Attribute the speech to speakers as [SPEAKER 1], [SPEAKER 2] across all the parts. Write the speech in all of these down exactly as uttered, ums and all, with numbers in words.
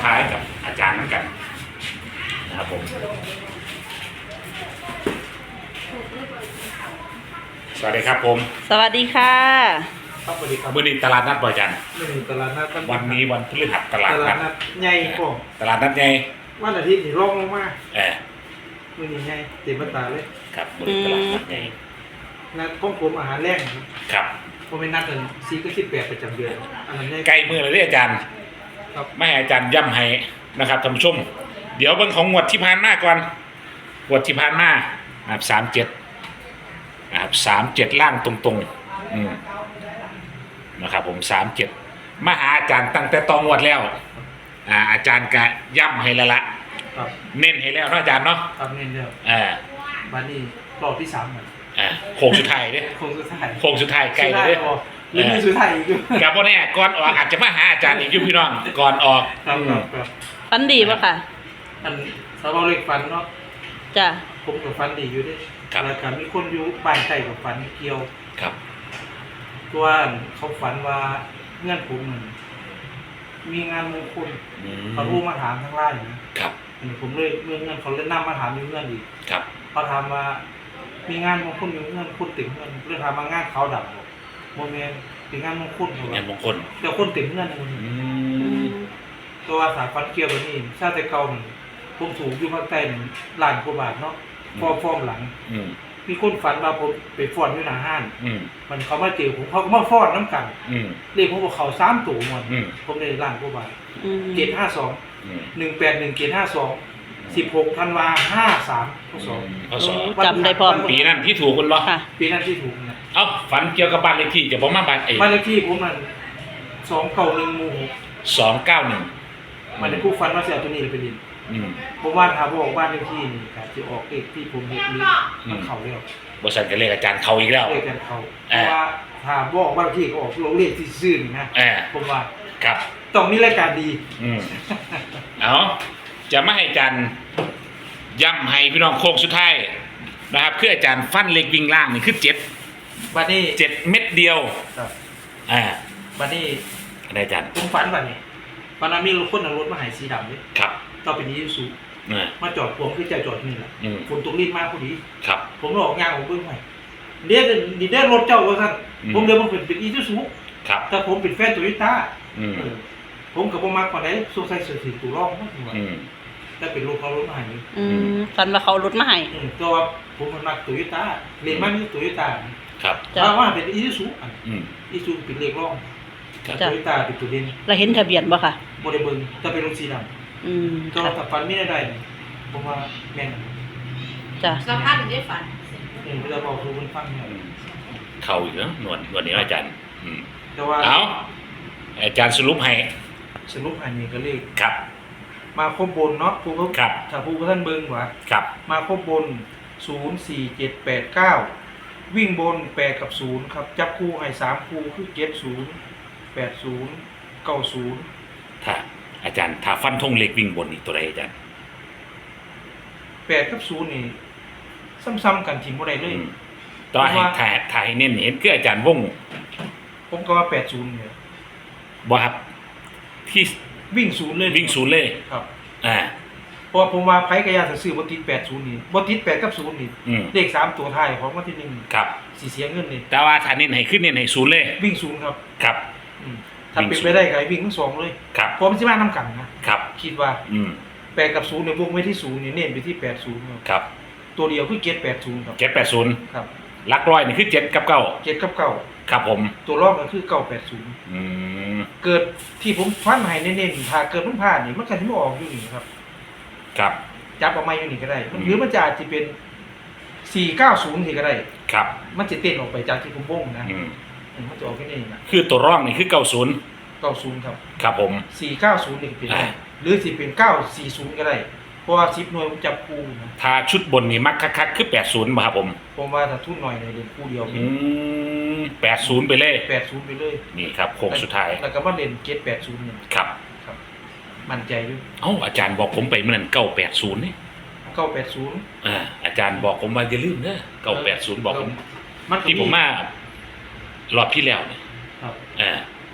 [SPEAKER 1] ท้ายกับอาจารย์เหมือนกันนะครับผมสวัสดีครับผม
[SPEAKER 2] สวัสดีค่ะ
[SPEAKER 3] ครับสวัสดีครับ
[SPEAKER 1] วันนี้ตลาดนัดบ่อยจัน
[SPEAKER 3] มื่อนี้ตลาดนัด
[SPEAKER 1] วันนี้วันพฤหัสตลาด
[SPEAKER 3] ต
[SPEAKER 1] นั
[SPEAKER 3] ลา
[SPEAKER 1] ด
[SPEAKER 3] ดนัดใหญ่พวก
[SPEAKER 1] ตลาดนัดไง
[SPEAKER 3] วันอาทิตย์นี่ร่องลงมา
[SPEAKER 1] เออ
[SPEAKER 3] มื่อนี้ใหญ่เต็มตาเลย
[SPEAKER 1] ครับวันนี้ตลาดนัดไง
[SPEAKER 3] นัดของผมอาหารแรงครับ
[SPEAKER 1] ครับ
[SPEAKER 3] ผมเป็นนัดกันสี่ก็สิบแปดประจำเดือนอันนั้นใหญ่
[SPEAKER 1] ใกล้มือเลยเด้ออาจารย์
[SPEAKER 3] ครับ
[SPEAKER 1] ไม่ให้อาจารย์ย่ำให้นะครับท่านผู้ชมเดี๋ยวเบิ่งของงวดที่ผ่านมาก่อนงวดที่ผ่านมานะครับสามเจ็ดนะครับสามเจ็ดล่างตรงๆอืมนะครับผมสามเจ็ดมาหาอาจารย์ตั้งแต่ตองงวดแล้วอ่าอาจารย์ก็ย่ำให้แล้วละ
[SPEAKER 3] ครับ
[SPEAKER 1] เน้นให้แล้วเนาะอาจารย์เนาะ
[SPEAKER 3] ครับเน้นเดียว
[SPEAKER 1] เออ
[SPEAKER 3] บัดนี้รอบที่สามครับ
[SPEAKER 1] อ่าโค้งสุดท้ายเด้
[SPEAKER 3] โค้งสุดท้าย
[SPEAKER 1] โค้งสุดท้ายใกล้เลยเด้
[SPEAKER 3] หรือมีสุดท้ายอีกอยู่
[SPEAKER 1] กับพ่อแน่ก่อนออกอาจจะมาหาอาจารย์อีกอยู่พี่น้องก่อนออก
[SPEAKER 3] ครับ
[SPEAKER 1] อื
[SPEAKER 3] ครั
[SPEAKER 1] ม
[SPEAKER 3] บครับ
[SPEAKER 2] ฟันดีปะค่ะ
[SPEAKER 3] อันสาวเล็กฟันเนาะ
[SPEAKER 2] จ้ะ
[SPEAKER 3] ผมกับฟันดีอยู่เด้วย
[SPEAKER 1] ครับ
[SPEAKER 3] แล้วก็มีคนอยู่บ้านใกล้กับฟันเกี่ยว
[SPEAKER 1] ครับ
[SPEAKER 3] ตัวเขาฝันว่าเงื่อนผมนั่นมีงานมงคล
[SPEAKER 1] อืม
[SPEAKER 3] เขารู้มาถามทางไลน์นะครับ อันนี้ผมเลยเมื่อเงื่อนเขาเล่นน้ำมาถามอยู่เงื่อนอีก
[SPEAKER 1] ครับ
[SPEAKER 3] เขาถามว่ามีงานมงคลอยู่เงื่อนคุณติ่งเงื่อนเรื่องถามมางานเขาดับบอกโมเมนต์เป็นงานมงคลเขา
[SPEAKER 1] งานมงคล
[SPEAKER 3] เดี๋ยวคนติ่งเงื่อนมัน
[SPEAKER 1] อื
[SPEAKER 2] อื
[SPEAKER 1] ม
[SPEAKER 2] ม
[SPEAKER 3] ตัวสายฟันเกี่ยวแบบนี้ชาติเก่ามันผมถูกอยู่ภาคใต้นี่ล้านกว่าบาทเนาะฟอร์มฟอร์มหลัง
[SPEAKER 1] อืม
[SPEAKER 3] มีคนฝันว่าผมไปฟ้อนที่หน้าห้าน
[SPEAKER 1] อืม
[SPEAKER 3] มันเขามาเจอผมเขาก็มาฟ้อนน้ำกัน
[SPEAKER 1] อืม
[SPEAKER 3] เรียกผมว่าเขาสามตัวหมด
[SPEAKER 1] อืม
[SPEAKER 3] ผมได้ล้านกว่าบาท
[SPEAKER 2] อืม
[SPEAKER 3] เจ็ดห้าสอง
[SPEAKER 1] อืม
[SPEAKER 3] หนึ่งแปดหนึ่งเจ็ดห้าสองสิบหกธันวาห้าสามข้อสอง
[SPEAKER 1] ข้อสอง
[SPEAKER 2] จำได้พร้อม
[SPEAKER 1] ปีนั้นที่ถูกคุณบ่
[SPEAKER 2] ค่ะ
[SPEAKER 3] ปีนั้นที่ถูกนะ
[SPEAKER 1] เอ้าฝันเกี่ยวกับบ้านเลขที่จะบอกมาบ้านเอ
[SPEAKER 3] บ้านเลขที่ผมมันสองเก้าหนึ่งหมู่หก
[SPEAKER 1] สองเก้าหนึ่ง
[SPEAKER 3] มันได้ผู้ฟันว่าเสียตัวนี้เลยไปดิน
[SPEAKER 1] อืม
[SPEAKER 3] ผมว่าถ้าบอกบ้านเลขที่นี่การจะออกเลขที่ผมเห็นนี้มันเข่าแล้ว
[SPEAKER 1] บริษัทก็เลขอาจารย์เขาอีกแล้ว
[SPEAKER 3] เลขกันเขาเพ
[SPEAKER 1] เอ่อ
[SPEAKER 3] ราะว่าถ้าบอกบ้านเลขที่ก็ออกลงเลขที่ซื่อนี่นะ
[SPEAKER 1] เออ
[SPEAKER 3] ผมว่า
[SPEAKER 1] ครับ
[SPEAKER 3] ต้องมีรายการดี
[SPEAKER 1] อืมเอาจะไม่ให้อาจารย์ย้ำให้พี่น้องโค้งสุดท้ายนะครับคืออาจารย์ฟันเล็กวิ่งล่างนี่คือเจ็ด
[SPEAKER 3] บัดนี้
[SPEAKER 1] เจ็ดเม็ดเดียว
[SPEAKER 3] ครับ
[SPEAKER 1] อ่า
[SPEAKER 3] บัดนี้
[SPEAKER 1] อะไรอาจารย์
[SPEAKER 3] ผมฝันบัดนี้วันนั้นมีรถคนเอารถมาใหายสีดำเลย
[SPEAKER 1] ครับ
[SPEAKER 3] ต่อไปนี้สู
[SPEAKER 1] เออ
[SPEAKER 3] มาจอดผมคือจะจอดนี่แหละ
[SPEAKER 1] อืม
[SPEAKER 3] ฝนตกรีบมากพอดี
[SPEAKER 1] ครับ
[SPEAKER 3] ผมออกงานของเบื้องใหม่เรียกดีเรียกรถเจ้าว่าสั่น
[SPEAKER 1] อืม
[SPEAKER 3] ผมเดินมาเป็นเป็นอีซูซู
[SPEAKER 1] ครับ
[SPEAKER 3] แต่ผมเป็นแฟนโตโยต้า
[SPEAKER 1] อืม
[SPEAKER 3] ผมกับผมมาก่อนไหนสงสัยเสือสีตัวร่องมากกว่า
[SPEAKER 1] อืม
[SPEAKER 3] แต่เป็นรถเขารถมาใหาย
[SPEAKER 2] อืมฟันว่าเขารุดมาให้
[SPEAKER 3] ตัวว่าผมมันมาโตโยต้าเรียนมาที่โตโยต้า
[SPEAKER 1] ครับ
[SPEAKER 2] จ้ะ
[SPEAKER 3] ถ้าว่าเป็นอีซูซู
[SPEAKER 1] อืม
[SPEAKER 3] อีซูเป็นเลขร่อง
[SPEAKER 1] ครับ
[SPEAKER 3] โตโยต้าเป็นตัวเด่น
[SPEAKER 2] เราเห็นทะเบียนบ่ค่ะ
[SPEAKER 3] โมเดลเบิ้งจะเป็นรถสีด
[SPEAKER 2] อืม
[SPEAKER 3] ำก็
[SPEAKER 2] ค่ะ
[SPEAKER 3] ถ้าฟันไม่ได้ได้นี่ผมว่าแม่น
[SPEAKER 2] จ้ะ
[SPEAKER 4] สภาพถึงได้ฝัน
[SPEAKER 3] เออเวลาบอกคือมันฟังเนี่ย
[SPEAKER 1] อืมเข้าอีกแล้วหนวดหนวดนี้อาจารย์ อืม
[SPEAKER 3] แต่ว่า
[SPEAKER 1] เอาอาจารย์สรุปให้
[SPEAKER 3] สรุปอันนี้ก็เลข
[SPEAKER 1] ครับ
[SPEAKER 3] มาครบบนเนาะผู้
[SPEAKER 1] ครับ
[SPEAKER 3] ถ้าผู้ท่านเบิ้งว่า
[SPEAKER 1] ครับ
[SPEAKER 3] มาครบบน ศูนย์ สี่ เจ็ด แปด เก้า วิ่งบน แปด กับ ศูนย์ ครับ จับคู่ให้สามคู่คือ เจ็ด ศูนย์ แปด ศูนย์ เก้า ศูนย์
[SPEAKER 1] ถ้าอาจารย์ถ้าฟันธงเล็กวิ่งบนนี่ตัวใดอาจารย์
[SPEAKER 3] แปด กับ ศูนย์ นี่ ซ้ำๆกันทีมบ่ได้เลย
[SPEAKER 1] อืมต่อให้
[SPEAKER 3] เพราะว่า
[SPEAKER 1] ถ่ายถ่ายเน้นเห็นคืออาจารย์วง
[SPEAKER 3] ผมก็ว่า แปด ศูนย์ เนี่ย
[SPEAKER 1] บ่ครับที่
[SPEAKER 3] วิ่งศูนย์เลย
[SPEAKER 1] วิ่งศูนย์เลย
[SPEAKER 3] ครับ
[SPEAKER 1] อ่า
[SPEAKER 3] เพราะว่าผมว่าไผกระยาซื้อบ่ติด แปด ศูนย์ นี่บ่ติด แปด กับ ศูนย์ นี่
[SPEAKER 1] อืม
[SPEAKER 3] เลขสามตัวท้ายของวันที่หนึ่ง
[SPEAKER 1] ครับ
[SPEAKER 3] สิเสียเงินนี่
[SPEAKER 1] แต่ว่าถ้าเน้นให้ขึ้นเน้นให้ศูนย์เลย
[SPEAKER 3] วิ่งศูนย์ครับ
[SPEAKER 1] ครับ
[SPEAKER 3] อืมถ้าเป็นไปได้ก็ให้วิ่งทั้งสองเลย
[SPEAKER 1] ครับ
[SPEAKER 3] เพราะมันสิมานํกันนะครับ คิดว่า
[SPEAKER 1] อืม
[SPEAKER 3] แปดกับศูนย์เนี่ยวงไว้ที่ศูนย์นี่เน้นไปที่แปดศูนย์ครับ
[SPEAKER 1] ครับ
[SPEAKER 3] ตัวเดียวคือเจ็ดแปดศูนย์ครับ
[SPEAKER 1] เจ็ดแปดศูนย์
[SPEAKER 3] ครับ
[SPEAKER 1] ลักร้อยนี่คือเจ็ดกับเก้า
[SPEAKER 3] เจ็ดกับเก้า
[SPEAKER 1] ครับผม
[SPEAKER 3] ตัวรองก็คือเก้าแปดศูนย์
[SPEAKER 1] อืม
[SPEAKER 3] เกิดที่ผมฟันให้เน้นๆถ้าเกิดมันพลาดนี่มันก็สิบ่ออกอยู่นี่ครับ
[SPEAKER 1] ครับ
[SPEAKER 3] จับออกมาอยู่นี่ก็ได้มัน
[SPEAKER 1] อืม
[SPEAKER 3] หรือมันจะอาจจะเป็นสี่เก้าศูนย์ที่ก็ได้
[SPEAKER 1] ครับ
[SPEAKER 3] มันจะเต้นออกไปจากที่ผมวงนะ
[SPEAKER 1] อืม
[SPEAKER 3] อืมมันจะออกแค่นี้นะ
[SPEAKER 1] คือตัวร่องนี่คือเก้าศูนย์
[SPEAKER 3] เก้าศูนย์ครับ
[SPEAKER 1] ครับผม
[SPEAKER 3] สี่เก้าศูนย์นี่ก็เป็นได้
[SPEAKER 1] อ่า
[SPEAKER 3] หรือสิเป็นเก้าสี่ศูนย์ก็ได้เพราะว่าสิบหน่วยผมจับคู่นะ
[SPEAKER 1] ถ้าชุดบนนี่มักคักๆคือแปดศูนย์บ่ครับผม
[SPEAKER 3] ผมว่าถ้าทุนหน่อยในเล่นคู่เดียว
[SPEAKER 1] อืมแปดศูนย์ไปเลย
[SPEAKER 3] แปดศูนย์ไปเลย
[SPEAKER 1] นี่ครับโค้งสุดท้าย
[SPEAKER 3] แล้วก็มาเล่นเกตแปดศูนย์เนี่ย
[SPEAKER 1] ครับ
[SPEAKER 3] ครับ มั่นใจด้วย
[SPEAKER 1] เอ้าอาจารย์บอกผมไปเมื่อนั้นเก้าแปดศูนย์นี่
[SPEAKER 3] เก้าแปดศูนย์
[SPEAKER 1] อ่าอาจารย์บอกผมว่าอย่าลืมเนอะเก้าแปดศูนย์บอกผม
[SPEAKER 3] มัน
[SPEAKER 1] ที่ผมมารอบที่แล้วเนี่ย
[SPEAKER 3] ครับ
[SPEAKER 1] อ่า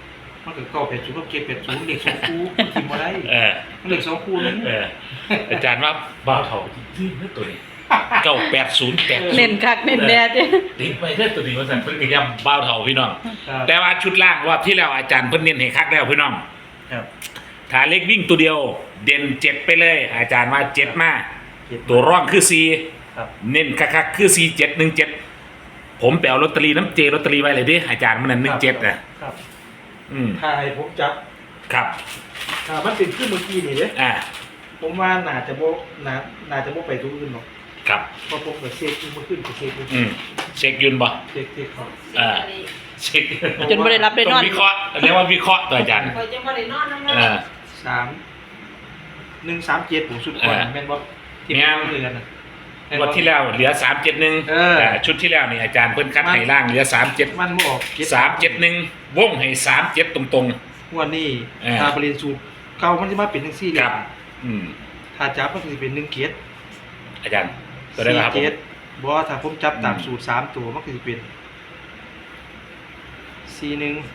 [SPEAKER 3] มันก็เก้าแปดศูนย์กับเจ็ดแปดศูนย์เลขสองคู่ทิมมาได้
[SPEAKER 1] เออ
[SPEAKER 3] มันเลขสองคู่นึง
[SPEAKER 1] เอออาจารย์ว่าบ้าวเท่าที่นี่ตัวนี้เก้าแปดศูนย์แปด
[SPEAKER 2] เน้นคักเน้นแดดเนี่ย
[SPEAKER 1] ติดไปเท่าตัวนี้ว่าสั่นเพิ่นก็ย้ำบ้าวเท่าพี่น้อง
[SPEAKER 3] ครับ
[SPEAKER 1] แต่ว่าชุดล่างรอบที่แล้วอาจารย์เพิ่นเน้นให้คักแล้วพี่น้อง
[SPEAKER 3] ครับ
[SPEAKER 1] ถ้าเล็กวิ่งตัวเดียว เด่นเจ็ดไปเลย อาจารย์ว่าเจ็ดมา
[SPEAKER 3] เจ็ด
[SPEAKER 1] ตัวร่องคือสี่
[SPEAKER 3] ครับ
[SPEAKER 1] เน้นคักๆคือสี่เจ็ดหนึ่งเจ็ดผมไปเอาลอตเตอรี่น้ำเจลอตเตอรี่ไว้เลยดิอาจารย์มันนั่นหนึ่งเจ็ดนะครับ อืม
[SPEAKER 3] ถ้าให้ผมจับ
[SPEAKER 1] ครับ
[SPEAKER 3] ถ้ามันเป็นขึ้นเมื่อกี้นี่เด้
[SPEAKER 1] อ่า
[SPEAKER 3] ผมว่าน่าจะบ่น่าน่าจะบ่ไปตัวอื่นหรอก
[SPEAKER 1] ครับ
[SPEAKER 3] เพราะผมก็เช็คเมื่อขึ้นก็เช็คเมื่อ
[SPEAKER 1] อื
[SPEAKER 3] กี้
[SPEAKER 1] มเช็คยืนบ่
[SPEAKER 3] เช็คเช็คครับ
[SPEAKER 1] อ่าเช็ค
[SPEAKER 2] จนไม่ได้รับได้
[SPEAKER 1] ต้
[SPEAKER 2] น
[SPEAKER 1] อ
[SPEAKER 2] อง น
[SPEAKER 1] วิเคราะห์เรียกว่าวิเคราะห์ตัวอาจารย์
[SPEAKER 4] คอยจะมาได้นอนนั่ง
[SPEAKER 1] อ่า
[SPEAKER 3] สามหนึ่งสามเจ็ดผมสุดก่อน
[SPEAKER 1] เออ
[SPEAKER 3] แม่นบ่ที่
[SPEAKER 1] แม่น
[SPEAKER 3] ผมเรียนน่ะแม่น
[SPEAKER 1] ง
[SPEAKER 3] บ่
[SPEAKER 1] วดที่แล้วเหลือสามเจ็ดหนึ่ง
[SPEAKER 3] เออ
[SPEAKER 1] ชุดที่แล้วนี่อาจารย์เพิ่นคัดให้ล่างเหลือสามเจ็ด
[SPEAKER 3] มันบ่ออก
[SPEAKER 1] สามเจ็ดหนึ่งวงให้สามเจ็ดตรง
[SPEAKER 3] งวดนี้
[SPEAKER 1] เออ
[SPEAKER 3] ถ้าบริเวณสูตรเก่ามันจะมาเป็นจังซี่
[SPEAKER 1] ๆ
[SPEAKER 3] เลย
[SPEAKER 1] ครับ อืม
[SPEAKER 3] ถ้าจับมันก็สิเป็นหนึ่งเกียรติ
[SPEAKER 1] อาจารย์ตัวได้ไหมครับผม
[SPEAKER 3] เจ็ดบ่ถ้าผมจับตาม
[SPEAKER 1] อืม
[SPEAKER 3] สูตรสามตัวมันก็สิเป็นสี่หนึ่ง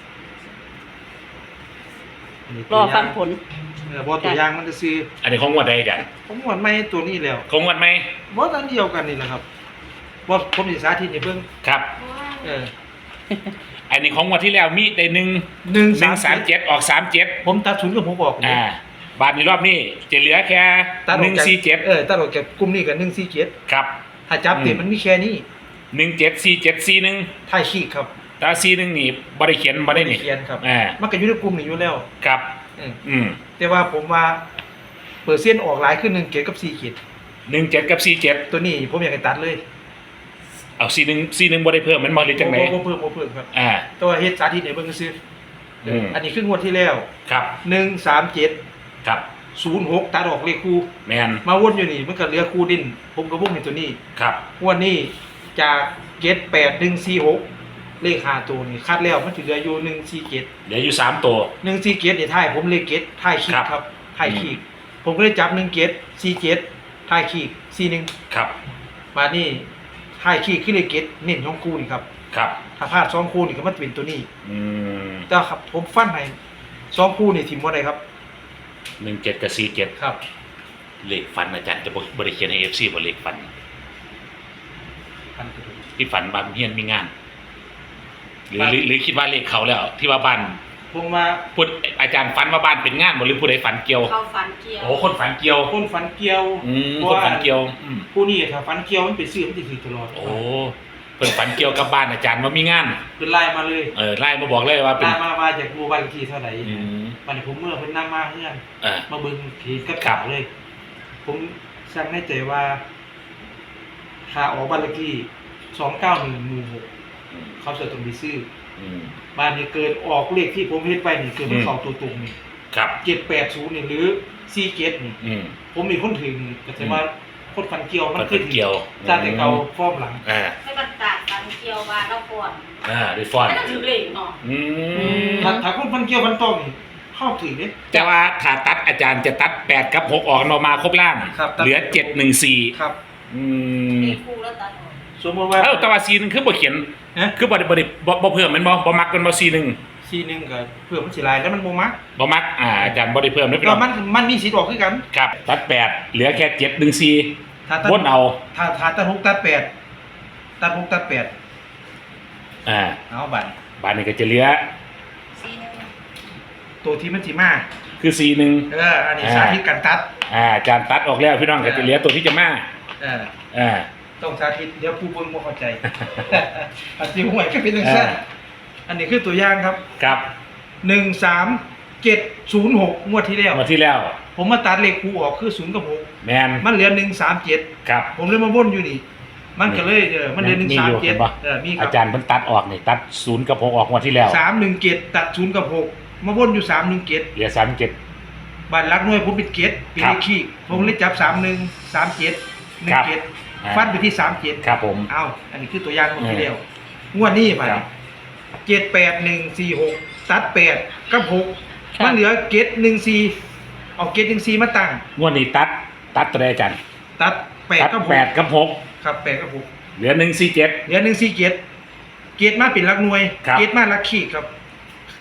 [SPEAKER 3] นนี้
[SPEAKER 2] ร
[SPEAKER 3] ตัว
[SPEAKER 2] อ
[SPEAKER 3] อย่าง
[SPEAKER 2] ฟังผล
[SPEAKER 3] เออบ่ตัวอย่างมันจะซื้อ
[SPEAKER 1] อันนี้ของงวดใดอาจารย์
[SPEAKER 3] ผมงวดไม่ตัวนี้แล้ว
[SPEAKER 1] ของงวดไหม
[SPEAKER 3] บ่อันเดียวกันนี่แหละครับบ่ผมสิสาธิตให้เบิ่ง
[SPEAKER 1] ครับ
[SPEAKER 3] เออ
[SPEAKER 1] อันนี้ของงวดที่แล้วมีได้หนึ่ง
[SPEAKER 3] หนึ่ง
[SPEAKER 1] หนึ่งสามเจ็ดออกสามเจ็ด
[SPEAKER 3] ผมตัดศูนย์กับผมบอก
[SPEAKER 1] อ่าบาทในรอบนี้จะเหลือแค่
[SPEAKER 3] ตัดอ
[SPEAKER 1] ห
[SPEAKER 3] อก
[SPEAKER 1] นึ่ง
[SPEAKER 3] จาก
[SPEAKER 1] สี่เจ็ด
[SPEAKER 3] เออตัดออกจากกลุ่มนี้กับหนึ่งสี่เจ็ด
[SPEAKER 1] ครับ
[SPEAKER 3] ถ้าจับเต็ม
[SPEAKER 1] อืม
[SPEAKER 3] มันมีแค่นี้
[SPEAKER 1] หนึ่งเจ็ดสี่เจ็ดสี่หนึ่ง
[SPEAKER 3] ถ่ายขีดครับ
[SPEAKER 1] ถ้าสี่หนึ่งนี่บริเขียนบรินี่
[SPEAKER 3] เขียนครับ
[SPEAKER 1] อ่า
[SPEAKER 3] มันก็อยู่ในกลุ่มนี้อยู่แล้ว
[SPEAKER 1] ครับ
[SPEAKER 3] เออ
[SPEAKER 1] อืม
[SPEAKER 3] แต่ว่าผมว่าเปอร์เซ็นต์ออกหลายขึ้นหนึ่งเกียรกับสี่เกียร
[SPEAKER 1] หนึ่งเจ็ดกับสี่เจ็ด
[SPEAKER 3] ตัวนี้ผมอยากให้ตัดเลย
[SPEAKER 1] เอาสี่หนึ่งสี่หนึ่งบริเพิ่มมันมาหรือจังไหน
[SPEAKER 3] บ่บ่เพิ่มบ่เพิ่มครับ
[SPEAKER 1] อ่า
[SPEAKER 3] แตัวาเฮ็ดสาธิตให้เบิ่งซื่อ
[SPEAKER 1] อืม
[SPEAKER 3] อันนี้คืองวดที่แล้ว
[SPEAKER 1] ครับ
[SPEAKER 3] หนึ่งสามเจ็ด
[SPEAKER 1] ครับ
[SPEAKER 3] ศูนย์หกตัดออกเลขคู่
[SPEAKER 1] แมน
[SPEAKER 3] มาวนอยู่นี่มันก็เหลือคู่ดิน ผมก็วงในตัวนี้
[SPEAKER 1] ครับ
[SPEAKER 3] งวดนี้จากเจ็ดแปดหนึ่งสี่หกเลขห้าตัวนี่คัดแล้วมันสิเหลืออยู่หนึ่งสี่เจ็ด
[SPEAKER 1] เหลืออยู่สามตัว
[SPEAKER 3] หนึ่งสี่เจ็ดนี่ท้ายผมเลขเจ็ดท้ายขี
[SPEAKER 1] ครั
[SPEAKER 3] ด
[SPEAKER 1] บ
[SPEAKER 3] ครับท้ายขีดผมก็เลยจับหนึ่งเจ็ดสี่เจ็ดท้ายขีดสี่หนึ่ง
[SPEAKER 1] ครับ
[SPEAKER 3] มานี่ท้ายขีดคือเลขเจ็ดเน้นช่องคู่นี่ครับ
[SPEAKER 1] ครับ
[SPEAKER 3] ถ้าพลาดสองคู่นี่ก็มันจะเป็นตัวนี้
[SPEAKER 1] อืม
[SPEAKER 3] แต่ครับผมฟันให้สองคู่นี่ทิมว่าไดครับ
[SPEAKER 1] หนึ่งเจ็ดกับสี่เจ็ด
[SPEAKER 3] ครับ
[SPEAKER 1] เลขฟันอาจารย์จะบริเขียนให้เอฟซีบริเลขฟัน
[SPEAKER 3] ฟันกระดูก
[SPEAKER 1] ที่ฝันบางเฮียนมีงาน หรือหรือหรือคิดว่าเลขเขาแล้ว ที่ว่าบ้าน
[SPEAKER 3] ผมมา
[SPEAKER 1] พูดอาจารย์ฝันว่าบ้านเป็นงานบ่หรือผู้ใดฝันเกี่ยว
[SPEAKER 4] เขาฝันเกี่ยว
[SPEAKER 1] โอ้คนฝันเกี่ยว
[SPEAKER 3] คนฟันเกี่ยว
[SPEAKER 1] อืม
[SPEAKER 3] เพ
[SPEAKER 1] ค
[SPEAKER 3] ราะ
[SPEAKER 1] น
[SPEAKER 3] ว่า
[SPEAKER 1] ฝันเกี่ยวอืม
[SPEAKER 3] ผู้นี้ถ้าฟันเกี่ยวมันเป็นซื้อมันจะถือตลอด
[SPEAKER 1] โอ้เพิ่นฝันเกี่ยวกับบ้านอาจารย์ว่ามีงาน
[SPEAKER 3] เป็นไล่มาเลย
[SPEAKER 1] เออไล่มาบอกเลยว่าเป็น
[SPEAKER 3] ไล่มามาจากบูบันทีเท่าไหร่
[SPEAKER 1] อืม
[SPEAKER 3] วันนี้ผมเมื่อเพิ่นนำมาเฮือน
[SPEAKER 1] เออ
[SPEAKER 3] มาเบิ่งผีกับ
[SPEAKER 1] ครั
[SPEAKER 3] ขา
[SPEAKER 1] บ
[SPEAKER 3] เลย ผมสั่งให้ใจว่าถ้าออกบ้านเลขที่สองเก้าหนึ่งหมู่หก
[SPEAKER 1] อืม
[SPEAKER 3] เขาจะต้องไปซื้อ
[SPEAKER 1] อืม
[SPEAKER 3] บ้านนี้เกิดออกเลขที่ผมเฮ็ดไปนี่เกิดมัน
[SPEAKER 1] อืม
[SPEAKER 3] เข้าตัวตรงนี่
[SPEAKER 1] ครับ
[SPEAKER 3] เจ็ดแปดศูนย์นี่หรือสี่เจ็ดนี่
[SPEAKER 1] อืม
[SPEAKER 3] ผมมีคนถึงก็จะว่าคนฟันเกี่ยวมัน
[SPEAKER 1] คน
[SPEAKER 3] ขึ้น
[SPEAKER 1] ฝันเกี่ยว
[SPEAKER 3] จากแต่เก่าฟอร์มหลัง
[SPEAKER 1] อ่า
[SPEAKER 4] ให้มันตากฝันเกี่ยวว่าเราก่อน
[SPEAKER 1] อ่าได้ฟอน
[SPEAKER 4] ไม่ต้องถือเหล็กเนาะ
[SPEAKER 1] อืม
[SPEAKER 3] ถ้าถ้าคนฟันเกี่ยวฟันตรงนี่เข้าถึงเนี่ย
[SPEAKER 1] แต่ว่าถ้าตัดอาจารย์จะตัดแปดกับหกออกมามาครบล่าง
[SPEAKER 3] ครับตัด
[SPEAKER 1] เหลือเจ็ดหนึ่งสี่
[SPEAKER 3] ครับ
[SPEAKER 1] อืม
[SPEAKER 4] มีคู่แล้วตัดออก
[SPEAKER 3] สมมติว่า
[SPEAKER 1] เอ้าแต่ว่าซีหนึงคือบ่เขียน
[SPEAKER 3] ฮะ
[SPEAKER 1] คือบ่ได้บ่ได้บ่บ่เพิ่มแมันบ่บ่มักกันบ่ซีหนึง
[SPEAKER 3] ซีหนึ่งกับเพื่อมันสิลายแล้วมันโมมัก
[SPEAKER 1] บ่มักอ่าอาจารย์บ่ได้เพิ่มนะพี่
[SPEAKER 3] ก็
[SPEAKER 1] น้อง
[SPEAKER 3] มันมันมีสีดอกคือกัน
[SPEAKER 1] ครับตัดแปดเหลือแค่เจ็ดหนึ่งสี่
[SPEAKER 3] ถ้าตัด
[SPEAKER 1] วนเอา
[SPEAKER 3] ถ้าถ้าตัดหกตัดแปดตัดหกตัดแปด
[SPEAKER 1] อ่า
[SPEAKER 3] เอาบัตร
[SPEAKER 1] บาทนี้ก็จะเหลือ
[SPEAKER 4] ซีหนึง
[SPEAKER 3] ตัวที่มันสีมา
[SPEAKER 1] คือซีหนึ่ง
[SPEAKER 3] เอออันนี้สาธิตการตัด
[SPEAKER 1] อ่าอาจารย์ตัดออกแล้วพี่น้องก็จะเหลือตัวที่จะมา
[SPEAKER 3] เออ
[SPEAKER 1] อ่า
[SPEAKER 3] ต้องสาธิตเดี๋ยวผู้เบิ่งบ่เข้าใจ อันที่ห่วยก็เป็นจังซั่น
[SPEAKER 1] อ่า
[SPEAKER 3] อันนี้คือตัวอย่างครับ
[SPEAKER 1] ครับ
[SPEAKER 3] หนึ่งสามเจ็ดศูนย์หกงวดที่แล้ว
[SPEAKER 1] งวดที่แล้ว
[SPEAKER 3] ผมมาตัดเลขคู่ออกคือศูนย์กับหก
[SPEAKER 1] แมน
[SPEAKER 3] มันเหลือหนึ่งสามเจ็ด
[SPEAKER 1] ครับ
[SPEAKER 3] ผมเลยมาวนอยู่นี่ มันก็เลยเออมันเหลือหนึ่ง
[SPEAKER 1] มี
[SPEAKER 3] สาม
[SPEAKER 1] อยู่
[SPEAKER 3] เจ็
[SPEAKER 1] เห็
[SPEAKER 3] ด
[SPEAKER 1] นปะ
[SPEAKER 3] เออมีครั
[SPEAKER 1] อา
[SPEAKER 3] บ
[SPEAKER 1] จารย์เพิ่นตัดออกนี่ตัดศูนย์กับหกออกงวดที่แล้ว
[SPEAKER 3] สามหนึ่งเจ็ดตัดศูนย์กับหกมาวนอยู่สามหนึ่งเจ็ด
[SPEAKER 1] เหลือสามเจ็ด
[SPEAKER 3] บัตรลักหน่วยผมเป็นเจ็ดเป็น
[SPEAKER 1] ครั
[SPEAKER 3] เล
[SPEAKER 1] บ
[SPEAKER 3] ขขี้ผมเลยจับสามหนึ่งสามเจ็ดหนึ่
[SPEAKER 1] ครั
[SPEAKER 3] ง
[SPEAKER 1] บ
[SPEAKER 3] เจ็ด
[SPEAKER 1] อ่า
[SPEAKER 3] ฟันไปที่สามเจ็ด
[SPEAKER 1] ครับผม
[SPEAKER 3] เอาอันนี้คือตัวอย่างของที่
[SPEAKER 1] เออ
[SPEAKER 3] เดียวงวดนี้ไป
[SPEAKER 1] ครับ
[SPEAKER 3] เจ็ดแปดหนึ่งสี่หกตัดแปดกับหก
[SPEAKER 2] ครับ
[SPEAKER 3] มันเหลือเกตหนึ่งสี่เอาเกตหนึ่งสี่มาตั้ง
[SPEAKER 1] งวดนี้ตัดตัดตัวใดอาจารย์
[SPEAKER 3] ตัดแปด
[SPEAKER 1] ตัด
[SPEAKER 3] กับห
[SPEAKER 1] แป
[SPEAKER 3] ก
[SPEAKER 1] ดกับหก
[SPEAKER 3] ครับแปดกับหก
[SPEAKER 1] เหลือหนึ่งสี่เจ็ด
[SPEAKER 3] เหลือหนึ่งสี่เกตเกตมาเป็นหลักหน่วย
[SPEAKER 1] ครับ
[SPEAKER 3] เกตมาหลักขีดครับ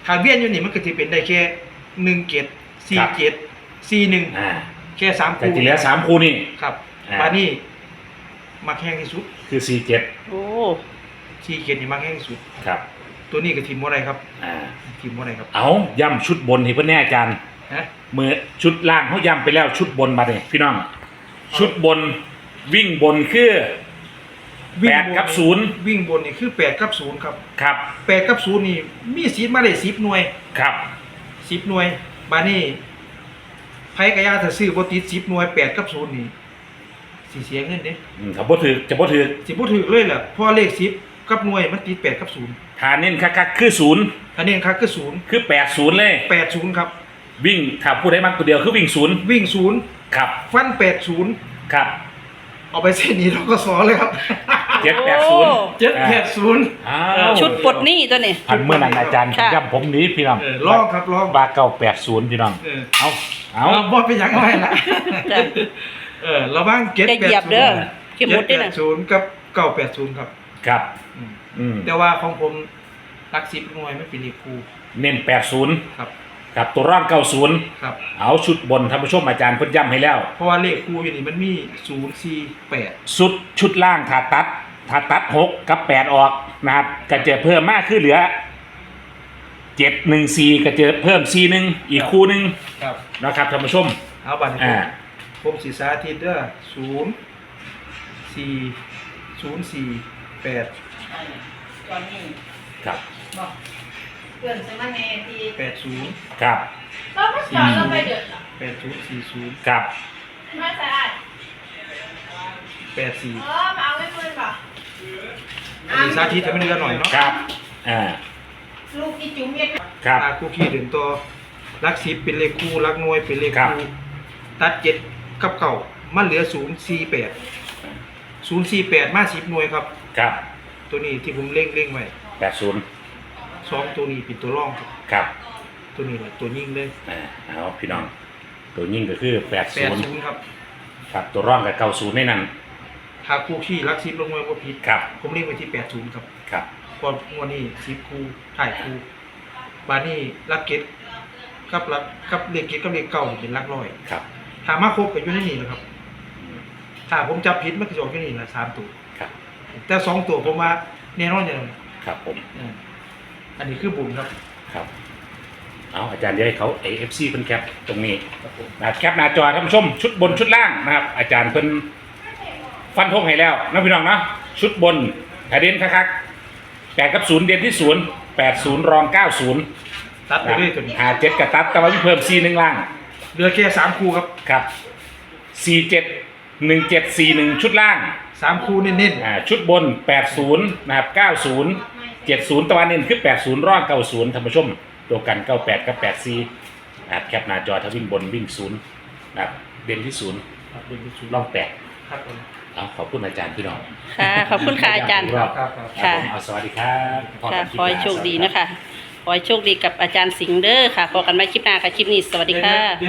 [SPEAKER 3] ถ้าเวียนอยู่นี่มันก็จะเป็นได้แค่หนึ่งเจ็ดสี่เจ็ดสี่หนึ่ง
[SPEAKER 1] อ่า
[SPEAKER 3] แค่สาม
[SPEAKER 1] แต่
[SPEAKER 3] คู่
[SPEAKER 1] ที่เหลือสามคู่นี่
[SPEAKER 3] ครับ
[SPEAKER 1] อ่า
[SPEAKER 3] บานี่มักแห้งที่สุด
[SPEAKER 1] คือสี่เจ็ด
[SPEAKER 2] โอ้
[SPEAKER 3] สี่เจ็ดนี่มักแห้งที่สุด
[SPEAKER 1] ครับ
[SPEAKER 3] ตัวนี้ก็ทีมว่าอะไรครับ
[SPEAKER 1] อ่า
[SPEAKER 3] ทีมว่าอะไรครับ
[SPEAKER 1] เอาย่ำชุดบนให้เพื่อนแน่อาจารย์
[SPEAKER 3] ฮะ
[SPEAKER 1] มือชุดล่างเขาย่ำไปแล้วชุดบนมาเลยพี่น้อง ชุดบนวิ่งบนคือ แปดกับศูนย์
[SPEAKER 3] วิ่งบนนี่คือแปดกับศูนย์ครับ
[SPEAKER 1] ครับ
[SPEAKER 3] แปดกับศูนย์นี่มีสิทธิ์มาได้สิบหน่วย
[SPEAKER 1] ครับ
[SPEAKER 3] สิบหน่วย บานี่ไพ่กระยาถ้าซื้อบ่ติดสิบหน่วยแปดกับศูนย์นี่สิเสียเงินเด้
[SPEAKER 1] อืมถ้าบ่ถือจะบ่ถือ
[SPEAKER 3] สิบ่ถูกเลยแหละเพราะเลขสิบกับหน่วยมันติดแปดกับศูนย์
[SPEAKER 1] ฐานเน้นคักๆคือศูนย์
[SPEAKER 3] อันนี้ครับคือศูนย์
[SPEAKER 1] คือแปดศูนย์เลย
[SPEAKER 3] แปดศูนย์ครับ
[SPEAKER 1] วิ่งถ้าพูดให้มากตัวเดียวคือวิ่งศูนย์
[SPEAKER 3] วิ่งศูนย์
[SPEAKER 1] ครับ
[SPEAKER 3] ฟันแปดศูนย์
[SPEAKER 1] ครับ
[SPEAKER 3] เอาไปเส้นนี้เราก็สอนเลยครับ
[SPEAKER 1] เจ็ดแปดศูนย์
[SPEAKER 3] เจ็ดแปดศูนย์
[SPEAKER 1] อ้าว
[SPEAKER 2] ชุดปลดหนี้ตัวนี้
[SPEAKER 1] พันเมื่อนั้นอาจารย์
[SPEAKER 2] ค่ะ
[SPEAKER 1] ย้ำผมหนี้พี่น้อง
[SPEAKER 3] เออลองครับลอง
[SPEAKER 1] บาเก้าแปดศูนย์พี่น้อง
[SPEAKER 3] เออ
[SPEAKER 1] เอาเอา
[SPEAKER 3] เอาบอดไปยังไงล่ะ
[SPEAKER 2] จ้ะ
[SPEAKER 3] เออระวังเจ็ด
[SPEAKER 2] จะ
[SPEAKER 3] แป
[SPEAKER 2] เหยี
[SPEAKER 3] ด
[SPEAKER 2] ยบ
[SPEAKER 3] ศู
[SPEAKER 2] เด้อน
[SPEAKER 3] ย์
[SPEAKER 2] เข็มมุดด้วยนะ
[SPEAKER 3] ศูนย์กับเก้าแปดศูนย์ครับ
[SPEAKER 1] ครับ
[SPEAKER 3] อืม
[SPEAKER 1] อืม
[SPEAKER 3] แต่ว่าของผมรักสิบหน่วยไม่เป็นเลขคู่
[SPEAKER 1] เน้นแปดศูนย์
[SPEAKER 3] ครับ
[SPEAKER 1] กับตัวร่างเก้าศูนย์
[SPEAKER 3] ครับ
[SPEAKER 1] เอาชุดบนท่านผู้ชมอาจารย์เพิ่นย้ำให้แล้ว
[SPEAKER 3] เพราะว่าเลขคู่อยู่นี่มันมีศูนย์สี่แปด
[SPEAKER 1] สุดชุดล่างถ้าตัดถ้าตัดหกกับแปดออกนะครับก็จะเพิ่มมากขึ้นเหลือเจ็ดหนึ่งสี่ก็จะเพิ่มสี่หนึ่งอีกคู่หนึ่ง
[SPEAKER 3] ครับ
[SPEAKER 1] นะครับท่านผู้ชม
[SPEAKER 3] เอาบัตรให้ผ
[SPEAKER 1] อ่า
[SPEAKER 3] มผมสีสาธิตเด้อศูนย์สี่ศูนย์สี่แปด
[SPEAKER 4] ตอนนี้
[SPEAKER 1] ครับ
[SPEAKER 4] บอกเพื่อนซื้อมาแน่ที่
[SPEAKER 3] แปดศูนย์
[SPEAKER 1] ครับ
[SPEAKER 4] เราไม่จอดเราไปเดือดหรอ
[SPEAKER 3] แปดศูนย์สี่ศูนย์
[SPEAKER 1] ครับ
[SPEAKER 4] ไม่สะอาด
[SPEAKER 3] แปดสี่
[SPEAKER 4] เออมาเอาไว้เพื่อนป่ะ
[SPEAKER 3] สีสาธิตให้มันเดือนหน่อยเนาะ
[SPEAKER 1] ครับอ่า
[SPEAKER 4] ลูกที่จุ๋มเย็ด
[SPEAKER 1] ครับ
[SPEAKER 3] อ่าคู่ขี้เดินตัวรักสิบเป็นเลขคู่รักหน่วยเป็นเลข
[SPEAKER 1] ครับ
[SPEAKER 3] คู่ตัดเจ็ดกับเก่ามันเหลือศูนย์สี่แปดศูนย์สี่แปดมาสิบหน่วยครับ
[SPEAKER 1] ครับ
[SPEAKER 3] ตัวนี้ที่ผมเล่งเล่งไว้
[SPEAKER 1] แปดศูนย์
[SPEAKER 3] สองตัวนี้เป็นตัวร่องครับ
[SPEAKER 1] ครับ
[SPEAKER 3] ตัวนี้แหละตัวยิ่งเลย
[SPEAKER 1] อ่าเอาพี่น้อง ตัวยิ่งก็คือแปด
[SPEAKER 3] แป
[SPEAKER 1] ศู
[SPEAKER 3] ด
[SPEAKER 1] นย์
[SPEAKER 3] ศูนย์ครับ
[SPEAKER 1] ครับตัวร่องกับเก้าศูนย์ในนั้น
[SPEAKER 3] หากคู่ขี้รักสิบลงมาว่าผิด
[SPEAKER 1] ครับ
[SPEAKER 3] ผมเล่งไว้ที่แปดศูนย์ครับ
[SPEAKER 1] ครับ
[SPEAKER 3] พอวันนี้สิบคู่ถ่ายคู่บานี่รักเก็ตกับรักกับเลขเก็ตกับเลขเก่านี่เป็นรักร้อย
[SPEAKER 1] ครับ
[SPEAKER 3] ถามมาครบกับอยู่ในนี่นะครับ ถ้าผมจับผิดมันก็จะออกอยู่นี่แหละสามตัว
[SPEAKER 1] ครับ
[SPEAKER 3] แต่สองตัวผมว่าแน่นอนอย่างนั้น
[SPEAKER 1] ครับผม
[SPEAKER 3] อืมอันนี้คือบุญครับ
[SPEAKER 1] ครับ เอาอาจารย์เดี๋ยวให้เขาเอฟซีเพิ่นแคปตรงนี้
[SPEAKER 3] ครับผม
[SPEAKER 1] นะครับแคปหน้าจอท่านผู้ชมชุดบนชุดล่างนะครับ อาจารย์เพิ่นฟันธงให้แล้วนะพี่น้องเนาะชุดบนแผ่นดินคักๆแปดกับศูนย์เด่นที่ศูนย์แปดศูนย์รองเก้าศูนย์
[SPEAKER 3] ตัดไปเรื่อยตัวนี้
[SPEAKER 1] หาเจ็ดกับตัดแต่ว่ามีเพิ่มสี่หนึ่งล่าง
[SPEAKER 3] เหลือแค่สามคู่ครับ
[SPEAKER 1] ครับสี่เจ็ดหนึ่งเจ็ดสี่หนึ่งชุดล่าง
[SPEAKER 3] สามคู่เน้น
[SPEAKER 1] อ่าชุดบนแปดศูนย์นะครับเก้าศูนย์เจ็ดศูนย์ตะวันเน้นคือแปดศูนย์รองเก้าศูนย์ท่านผู้ชมตัวกันเก้าแปดกับแปดสี่นะครับแคปหน้าจอถ้าวิ่งบนวิ่งศูนย์นะครับเด่นที่ศูนย์
[SPEAKER 3] ๆครับเป็นศูนย์
[SPEAKER 1] ล่องแปด
[SPEAKER 3] ครับผม
[SPEAKER 1] เอาขอบคุณอาจารย์พี่น้อง
[SPEAKER 2] ค่ะ ขอบคุณค่ะอาจารย์
[SPEAKER 1] รอบ
[SPEAKER 3] ครับครับ
[SPEAKER 1] ครับผมเอาสวัสดีครับพบ
[SPEAKER 2] ค่ะ
[SPEAKER 1] กันลิป
[SPEAKER 2] ขอให้
[SPEAKER 1] หน้า
[SPEAKER 2] โชคดี
[SPEAKER 1] สวัสรับ
[SPEAKER 2] นะคะ ขอให้โชคดีกับอาจารย์สิงห์เด้อค่ะพบกันใหม่คลิปหน้าค่ะ คลิปนี้สวัสดีค่ะ